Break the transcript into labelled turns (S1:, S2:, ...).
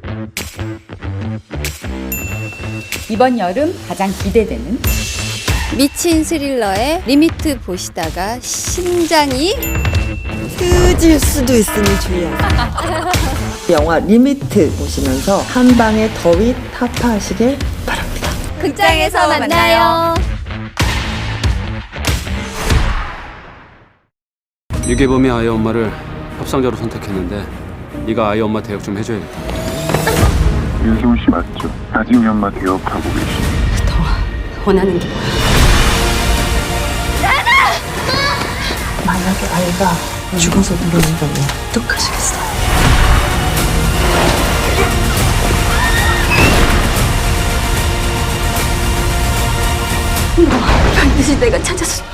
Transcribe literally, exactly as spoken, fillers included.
S1: 이번 여름 가장 기대되는
S2: 미친 스릴러의 리미트 보시다가 심장이 끄질 수도 있으니 주의하세요.
S3: 영화 리미트 보시면서 한 방의 더위 타파하시길 바랍니다.
S2: 극장에서 만나요.
S4: 유괴범이 아이 엄마를 협상자로 선택했는데 네가 아이 엄마 대역 좀 해줘야겠다.
S5: 윤세훈 씨 맞죠? 아직 엄마 대역하고 계시.
S2: 원하는 게 뭐야?
S3: 만약에 아이가 죽어서 돌아온다면 어떡하시겠어요?
S2: 반드시 내가 찾아서